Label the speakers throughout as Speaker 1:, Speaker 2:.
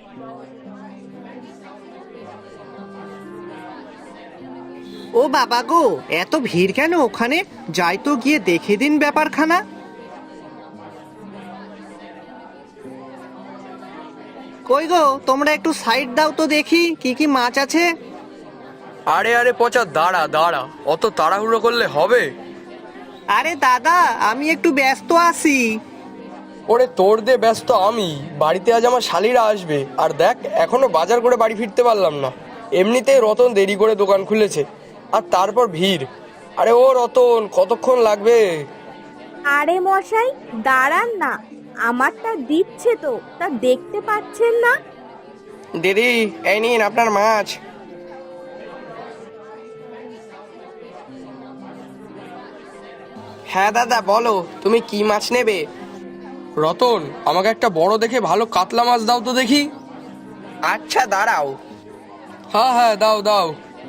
Speaker 1: ও বাবা গো, এত ভিড় কেন ওখানে? যাই তো গিয়ে দেখে দিন ব্যাপারখানা। কই গো, তোমরা একটু সাইড দাও তো দেখি কি কি মাছ আছে।
Speaker 2: আরে আরে পচা, দাঁড়া দাঁড়া, অত তাড়াহুড়ো করলে হবে?
Speaker 1: আরে দাদা, আমি একটু ব্যস্ত আছি।
Speaker 2: ওরে তোর দে ব্যস্ত আমি, বাড়িতে আজ আমার শালিরা আসবে। আর দেখ, এখনো বাজার করে বাড়ি ফিরতে পারলাম না। এমনিতেই রতন দেরি করে দোকান খুলেছে, আর তারপর ভিড়। আরে ও রতন, কতক্ষণ লাগবে?
Speaker 3: আরে মশাই, দাঁড়ান না, আমারটা দিচ্ছে তো, তা দেখতে পাচ্ছেন না?
Speaker 2: দিদি, এই নিন আপনার মাছ। হ্যাঁ দাদা, বলো তুমি কি মাছ নেবে? রতন, আমাকে একটা বড় দেখে ভালো কাতলা মাছ দাও তো দেখি। আচ্ছা দাঁড়াও। হ্যাঁ হ্যাঁ, দাও দাও।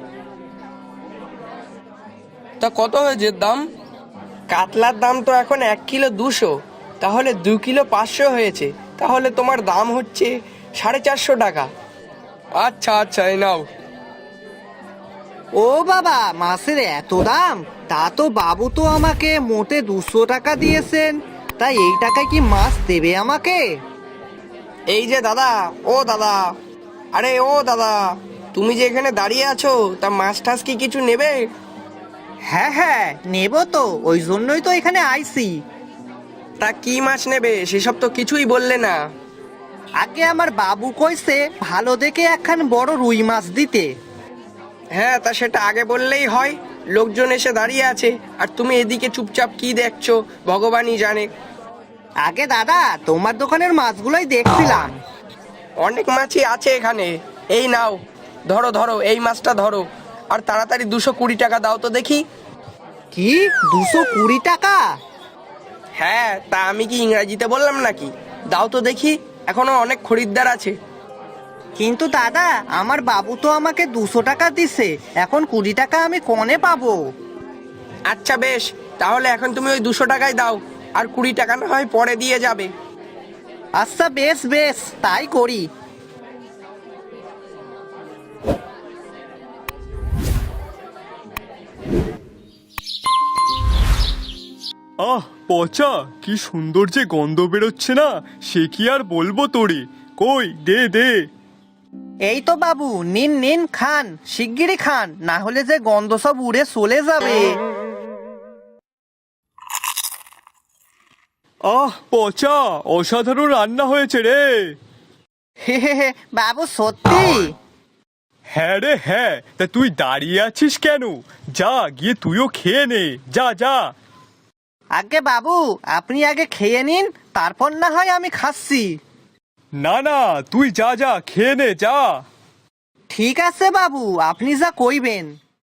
Speaker 2: তা কত হয়েছে দাম? কাতলার দাম তো এখন 1 কিলো 200, তাহলে 2 কিলো 500 হয়েছে। তাহলে তোমার দাম হচ্ছে 450 টাকা। আচ্ছা আচ্ছা, এই নাও।
Speaker 1: ও বাবা, মাছের এত দাম? তা তো বাবু তো আমাকে মোটে 200 টাকা দিয়েছেন। তাই এই টাকায় কি মাছ দেবে আমাকে?
Speaker 2: এই যে দাদা, ও দাদা, আরে ও দাদা, তুমি যে এখানে দাঁড়িয়ে আছো, তা মাছ টাছ কি কিছু নেবে?
Speaker 1: হ্যাঁ হ্যাঁ, নেব তো, ওই জন্যই তো এখানে আইছি।
Speaker 2: তা কি মাছ নেবে সেসব তো কিছুই বললে না।
Speaker 1: আগে আমার বাবু কইছে ভালো দেখে একখান বড় রুই মাছ দিতে।
Speaker 2: হ্যাঁ, তা সেটা আগে বললেই হয়। লোকজন এসে দাঁড়িয়ে আছে, আর তুমি এদিকে চুপচাপ কি দেখছো ভগবানই জানে।
Speaker 1: আগে দাদা, তোমার দোকানের মাছগুলোই দেখছিলাম।
Speaker 2: অনেক মাছই আছে এখানে। এই নাও, ধরো ধরো, এই মাছটা ধরো। আর তাড়াতাড়ি 220 টাকা দাও তো দেখি।
Speaker 1: কি, 220 টাকা?
Speaker 2: হ্যাঁ, তা আমি কি ইংরাজিতে বললাম নাকি? দাও তো দেখি, এখনো অনেক খরিদ্দার আছে।
Speaker 1: কিন্তু দাদা, আমার বাবু তো আমাকে 200 টাকা দিছে, এখন 20 টাকা আমি কোনে পাবো?
Speaker 2: আচ্ছা বেশ, তাহলে এখন তুমি ওই 200 টাকাই দাও, আর 20 টাকা না হয় পরে দিয়ে যাবে।
Speaker 1: আচ্ছা বেশ বেশ, তাই করি।
Speaker 4: আহ পচা, কি সুন্দর যে গন্ধ বেরোচ্ছে না, সে কি আর বলবো তোরে। কই দে দে।
Speaker 1: এই তো বাবু, নিন নিন, খান, শিগগিরই খান, না হলে যে গন্ধ সব উড়ে চলে যাবে।
Speaker 4: আহ পচা, অসাধারণ রান্না হয়েছে রে।
Speaker 1: হে হে হে, বাবু সত্যি?
Speaker 4: হ্যাঁ রে হ্যাঁ, তা তুই দাঁড়িয়ে আছিস কেন? যা গিয়ে তুইও খেয়ে নে, যা যা।
Speaker 1: আগে বাবু, আপনি আগে খেয়ে নিন, তারপর না হয় আমি খাচ্ছি।
Speaker 4: না না, তুই যা যা, খেয়ে নে যা।
Speaker 1: ঠিক আছে বাবু, আপনি যা কইবেন।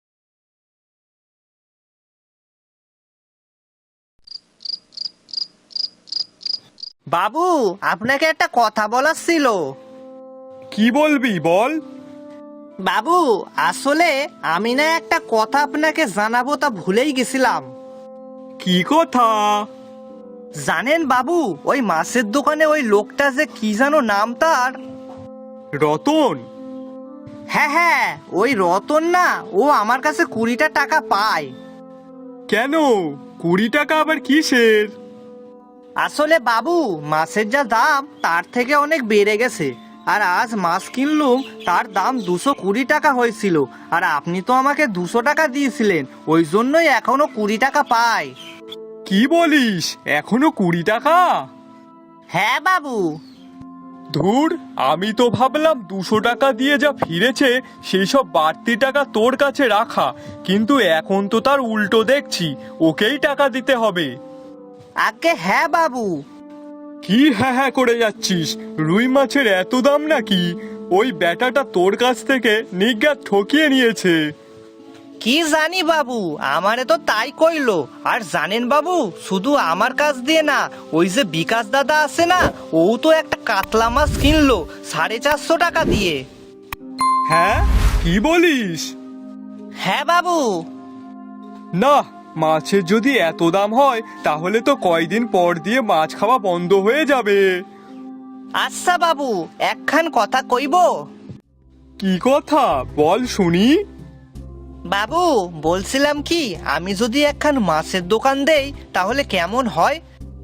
Speaker 1: বাবু, আপনাকে একটা কথা বলার ছিল।
Speaker 4: কি বলবি বল।
Speaker 1: বাবু, আসলে আমি না একটা কথা আপনাকে জানাবো, তা ভুলেই গেছিলাম।
Speaker 4: কি কথা?
Speaker 1: জানেন বাবু, ওই মাছের দোকানে ওই লোকটা যে কি যেন নাম তার?
Speaker 4: রতন?
Speaker 1: হ্যাঁ হ্যাঁ, ওই রতন না, ও আমার কাছে 20টা টাকা পায়।
Speaker 4: কেন, 20 টাকা আবার কিসের?
Speaker 1: আসলে বাবু, মাছের যা দাম তার থেকে অনেক বেড়ে গেছে, আর আজ মাছ কিনলুম, তার দাম 220 টাকা হয়েছিল, আর আপনি তো আমাকে 200 টাকা দিয়েছিলেন, ওই জন্যই এখনো 20 টাকা পাই।
Speaker 4: কি বলিস, এখনো 20 টাকা?
Speaker 1: হ্যাঁ বাবু।
Speaker 4: ধুর, আমি তো ভাবলাম 200 টাকা দিয়ে যা ফিরেছে সেই সব বাড়তি টাকা তোর কাছে রাখা, কিন্তু এখন তো তার উল্টো দেখছি, ওকেই টাকা দিতে হবে।
Speaker 1: আগে হ্যাঁ বাবু।
Speaker 4: কি হ্যাঁ হ্যাঁ করে যাচ্ছিস? রুই মাছের এত দাম নাকি? ওই ব্যাটাটা তোর কাছ থেকে নিজ্ঞাত ঠকিয়ে নিয়েছে।
Speaker 1: কি জানি বাবু, আমারে তো তাই কইলো। আর জানেন বাবু, শুধু আমার কাছ দিয়ে না, ওই যে বিকাশ দাদা আছে না, ও তো একটা কাতলা মাছ কিনলো 450 টাকা দিয়ে।
Speaker 4: হ্যাঁ, কি বলিস?
Speaker 1: হ্যাঁ বাবু।
Speaker 4: না, মাছের যদি এত দাম হয় তাহলে তো কয়দিন পর দিয়ে মাছ খাওয়া বন্ধ হয়ে যাবে।
Speaker 1: আচ্ছা বাবু, একখান কথা কইব।
Speaker 4: কি কথা বল শুনি।
Speaker 1: বাবু বলছিলাম কি, আমি যদি একখান মাছের দোকান দেই তাহলে কেমন হয়?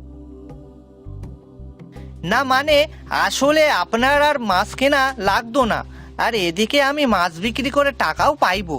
Speaker 1: না মানে আসলে আপনার আর মাছ কেনা লাগতো না, আর এদিকে আমি মাছ বিক্রি করে টাকাও পাইবো।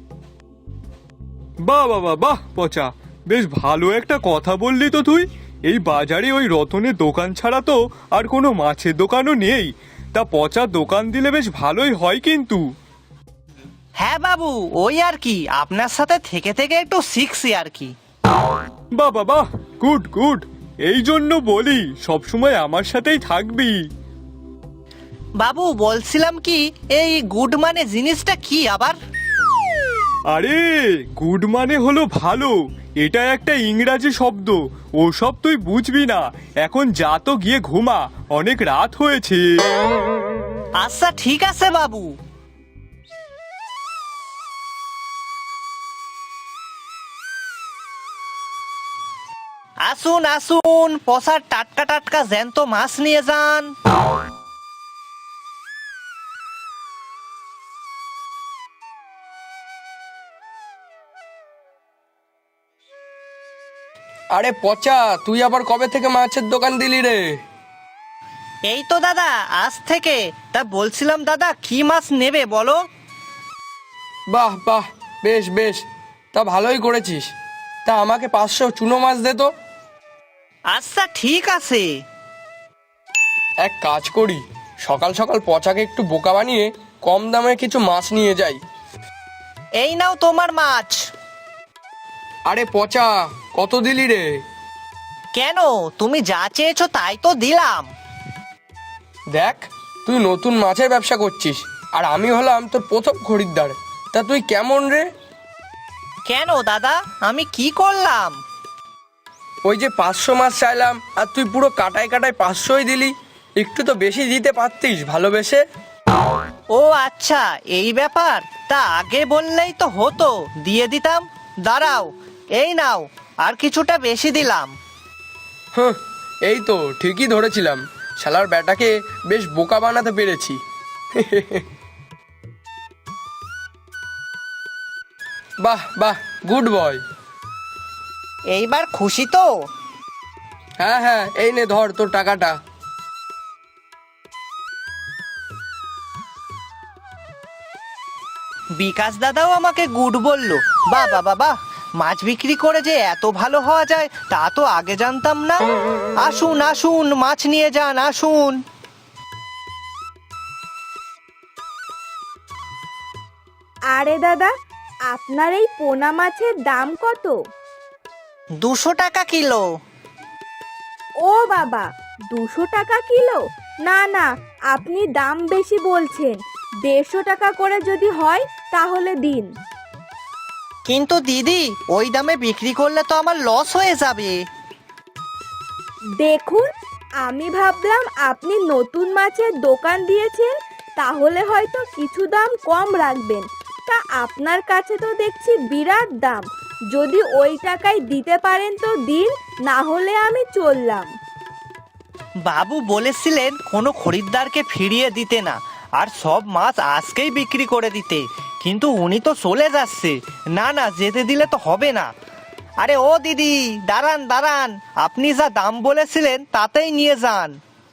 Speaker 4: বাহ বাহ বাহ বাহ পচা, বেশ ভালো একটা কথা বললি তো তুই। এই বাজারে ওই রতনের দোকান ছাড়া তো আর কোনো মাছের দোকানও নেই। তা পচা দোকান দিলে বেশ ভালোই হয় কিন্তু।
Speaker 1: হ্যাঁ বাবু, ওই আর কি, আপনার সাথে থেকে থেকে একটু শিখছি আর কি।
Speaker 4: বাহ বাহ বাহ, গুড গুড। এই জন্য বলি সবসময় আমার সাথেই থাকবি।
Speaker 1: বাবু বলছিলাম কি, এই গুড মানে জিনিসটা কি আবার?
Speaker 4: আরে গুড মানে হলো ভালো, এটা একটা ইংরাজি শব্দ। ওসব তুই বুঝবি না। এখন যা তো গিয়ে ঘুমা, অনেক রাত হয়েছে।
Speaker 1: আচ্ছা ঠিক আছে বাবু। আসুন আসুন, পসার টাটকা টাটকা জ্যান্ত মাছ নিয়ে যান।
Speaker 2: আরে পচা, তুই আবার কবে থেকে মাছের দোকান দিলি রে?
Speaker 1: এই তো দাদা, আজ থেকে। তা বলছিলাম দাদা, কি মাছ নেবে বলো?
Speaker 2: বাহ বাহ, বেশ বেশ, তা ভালোই করেছিস। তা আমাকে 500 চুনো মাছ দে তো।
Speaker 1: আচ্ছা ঠিক আছে।
Speaker 2: এক কাজ করি, সকাল সকাল পচাকে একটু বোকা বানিয়ে কম দামে কিছু মাছ নিয়ে যাই।
Speaker 1: এই নাও তোমার মাছ।
Speaker 2: আরে পচা, কত দিলি রে?
Speaker 1: কেন, তুমি যা চেয়েছো তাই তো দিলাম।
Speaker 2: দেখ, তুই নতুন মাছের ব্যবসা করছিস, আর আমি হলাম তোর প্রথম খরিদ্দার। তা তুই কেমন রে?
Speaker 1: কেন দাদা, আমি কি করলাম?
Speaker 2: ওই যে 500 মাছ চাইলাম, আর তুই পুরো কাটায় কাটায় 500ই দিলি। একটু তো বেশি দিতে পারতিস ভালোবেসে।
Speaker 1: ও আচ্ছা, এই ব্যাপার। তা আগে বললেই তো হতো, দিয়ে দিতাম। দাঁড়াও, এই নাও, আর কিছুটা বেশি দিলাম।
Speaker 2: হুঁ, এই তো ঠিকই ধরেছিলাম, শালার ব্যাটাকে বেশ বোকা বানাতে পেরেছি। বাহ বাহ, গুড বয়।
Speaker 1: এইবার খুশি তো?
Speaker 2: হ্যাঁ হ্যাঁ, এই নে ধর তোর টাকাটা।
Speaker 1: বিকাশ দাদাও আমাকে গুড বললো। বাহ বাহ বাহ বাহ, মাছ বিক্রি করে যে এত ভালো হওয়া যায় তা তো আগে জানতাম না। আসুন আসুন, মাছ নিয়ে যান, আসুন।
Speaker 3: আরে দাদা, আপনার এই পোনা মাছের দাম কত?
Speaker 1: 200 টাকা কিলো।
Speaker 3: ও বাবা, 200 টাকা কিলো? না না, আপনি দাম বেশি বলছেন। 150 টাকা করে যদি হয় তাহলে দিন।
Speaker 1: কিন্তু দিদি, ওই দামে বিক্রি করলে তো আমার লস হয়ে যাবে।
Speaker 3: দেখুন, আমি ভাবলাম আপনি নতুন মাছের দোকান দিয়েছেন, তাহলে হয়তো কিছু দাম কম রাখবেন। তা আপনার কাছে তো দেখছি বিরাট দাম। যদি ওই টাকায় দিতে পারেন তো দিন, না হলে আমি চললাম।
Speaker 1: বাবু বলেছিলেন কোনো খরিদ্দারকে ফিরিয়ে দিতে না, আর সব মাছ আজকেই বিক্রি করে দিতে। কিন্তু উনি তো চলে যাচ্ছে। না না, যেতে দিলে তো হবে না। আরে ও দিদি, দাঁড়ান দাঁড়ান, আপনি যা দাম বলেছিলেন তাতেই নিয়ে যান।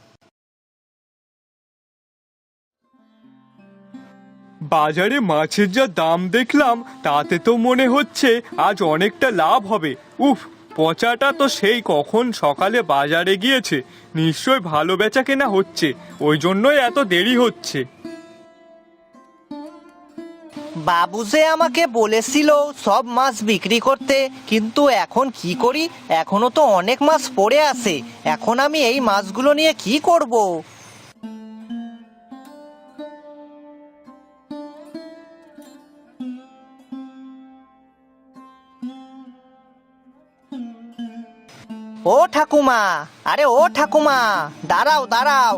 Speaker 4: বাজারে মাছের যা দাম দেখলাম, তাতে তো মনে হচ্ছে আজ অনেকটা লাভ হবে। উফ, পচাটা তো সেই কখন সকালে বাজারে গিয়েছে, নিশ্চয় ভালো বেচা কেনা হচ্ছে, ওই জন্যই এত দেরি হচ্ছে।
Speaker 1: বাবু যে আমাকে বলেছিল সব মাছ বিক্রি করতে, কিন্তু এখন কি করি, এখনো তো অনেক মাছ পড়ে আছে। এখন আমি এই মাছগুলো নিয়ে কি করব? ও ঠাকুমা, আরে ও ঠাকুমা, দাঁড়াও দাঁড়াও।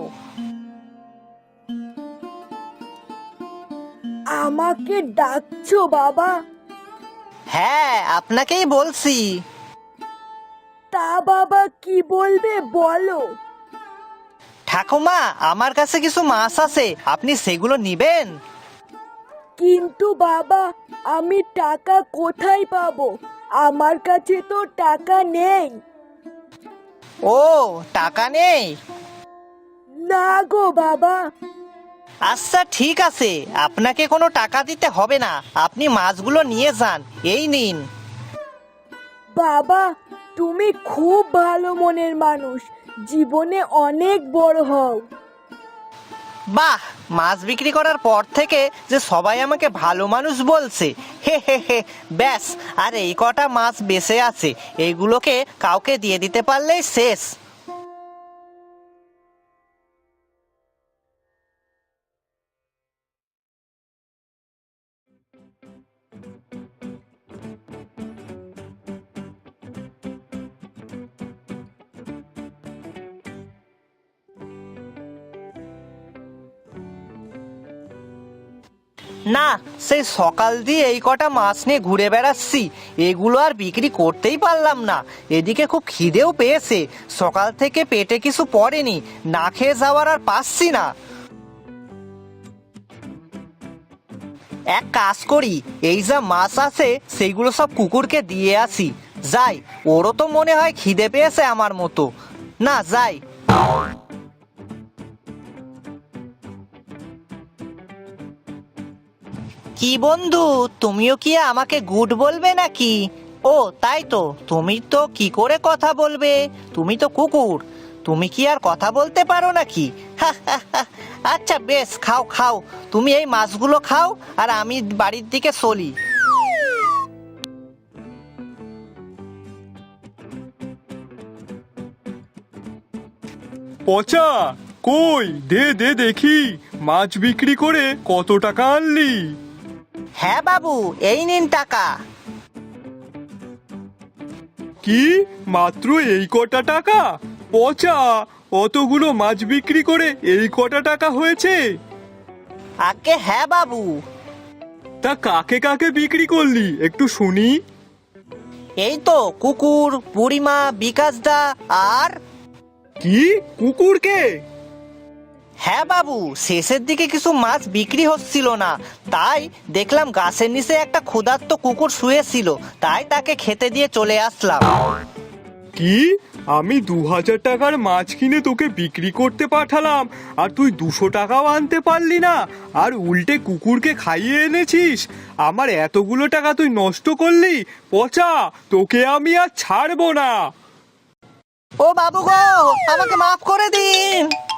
Speaker 3: আমাকে ডাকছো বাবা?
Speaker 1: হ্যাঁ, আপনাকেই বলছি।
Speaker 3: তা বাবা কি বলবে বলো।
Speaker 1: ঠাকুমা, আমার কাছে কিছু মাছ আছে, আপনি সেগুলো নিবেন?
Speaker 3: কিন্তু বাবা, আমি টাকা কোথায় পাবো? আমার কাছে তো টাকা নেই।
Speaker 1: ও, টাকা নেই?
Speaker 3: না গো বাবা।
Speaker 1: আচ্ছা ঠিক আছে, আপনাকে কোনো টাকা দিতে হবে না, আপনি মাছগুলো নিয়ে যান, এই নিন।
Speaker 3: বাবা, তুমি খুব ভালো মনের মানুষ, জীবনে অনেক বড় হও।
Speaker 1: বাহ, মাছ বিক্রি করার পর থেকে যে সবাই আমাকে ভালো মানুষ বলছে, হে হে হে। ব্যাস, আর এই কটা মাছ বেঁচে আছে, এইগুলোকে কাউকে দিয়ে দিতে পারলেই শেষ। না, সেই সকাল দিয়ে এই কটা মাছ নিয়ে ঘুরে বেড়াচ্ছি, এগুলো আর বিক্রি করতেই পারলাম না। এদিকে খুব খিদেও পেয়েছে, সকাল থেকে পেটে কিছু পড়েনি, না খেয়ে যাওয়ার আর পাচ্ছি না। এক কাজ করি, এই যা মাছ আছে সেইগুলো সব কুকুরকে দিয়ে আসি। যাই, ওরও তো মনে হয় খিদে পেয়েছে আমার মতো। না, যাই। কি বন্ধু, তুমিও কি আমাকে গুড বলবে নাকি? ও তাই তো, তুমি তো কি করে কথা বলবে, তুমি তো কুকুর, তুমি কি আর কথা বলতে পারো নাকি? আচ্ছা বেশ, খাও খাও, তুমি এই মাছগুলো খাও, আর আমি বাড়ির দিকে চলি।
Speaker 4: পচা, কই দে দে দেখি, মাছ বিক্রি করে কত টাকা আনলি?
Speaker 1: হ্যাঁ বাবু, এই নিন টাকা।
Speaker 4: কি, মাত্র এই কটা টাকা? পচা, অতগুলো মাছ বিক্রি করে এই কটা টাকা হয়েছে?
Speaker 1: আগে হ্যাঁ বাবু।
Speaker 4: তা কাকে কাকে বিক্রি করলি একটু শুনি।
Speaker 1: এই তো কুকুর, বুড়িমা, বিকাশ দা, আর
Speaker 4: কি, কুকুরকে?
Speaker 1: হ্যাঁ বাবু, শেষের দিকে কিছু মাছ বিক্রি হচ্ছিল না, তাই দেখলাম গাছের নিচে একটা ক্ষুধার্ত কুকুর শুয়েছিল, তাই তাকে খেতে দিয়ে চলে আসলাম।
Speaker 4: কি, আমি 2000 টাকার মাছ কিনে তোকে বিক্রি করতে পাঠালাম, আর তুই 200 টাকাও আনতে পারলি না, আর উল্টে কুকুরকে খাইয়ে এনেছিস? আমার এতগুলো টাকা তুই নষ্ট করলি। পচা, তোকে আমি আর ছাড়বো না।
Speaker 1: ও বাবু গো, আমাকে মাফ করে দিন।